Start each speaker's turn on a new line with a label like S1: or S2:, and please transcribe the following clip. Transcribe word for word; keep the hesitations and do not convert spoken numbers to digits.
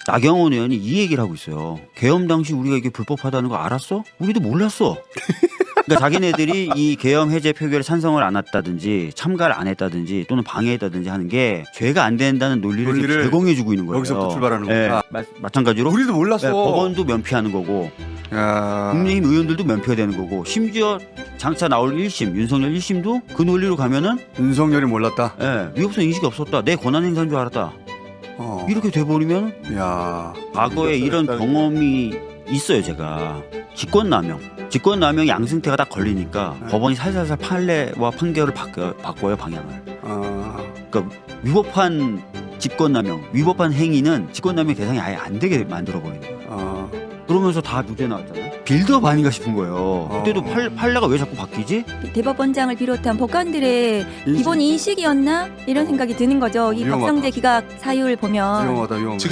S1: 나경원 의원이 이 얘기를 하고 있어요. 계엄 당시 우리가 이게 불법하다는 거 알았어? 우리도 몰랐어. 그러니까 자기네들이 이 계엄 해제 표결에 찬성을 안 했다든지 참가를 안 했다든지 또는 방해했다든지 하는 게 죄가 안 된다는 논리를,
S2: 논리를
S1: 제공해주고 있는 거예요.
S2: 여기서부터 출발하는
S1: 네.
S2: 거구나.
S1: 마, 마찬가지로
S2: 우리도 몰랐어.
S1: 네, 법원도 면피하는 거고
S2: 야.
S1: 국민의힘 의원들도 면피가 되는 거고 심지어 장차 나올 일 심 윤석열 일 심도 그 논리로 가면은
S2: 윤석열이 몰랐다.
S1: 예, 위법성 인식이 없었다. 내 권한 행사인 줄 알았다.
S2: 어.
S1: 이렇게 돼버리면
S2: 야.
S1: 과거에 이런 경험이 있어요. 제가 직권남용 직권남용 양승태가 딱 걸리니까
S2: 네.
S1: 법원이 살살살 판례와 판결을 바꿔, 바꿔요 방향을.
S2: 아.
S1: 그러니까 위법한 직권남용 위법한 행위는 직권남용 대상이 아예 안 되게 만들어버리는 거예요.
S2: 아.
S1: 그러면서 다 무죄 나왔잖아요. 빌드업 아닌가 싶은 거예요. 그때도
S2: 어.
S1: 팔, 판례가 왜 자꾸 바뀌지?
S3: 대법원장을 비롯한 법관들의
S2: 인식.
S3: 기본 인식이었나 이런 생각이 드는 거죠. 이
S2: 위험하다.
S3: 박성재 기각 사유를 보면
S2: 위험하다 위험하다.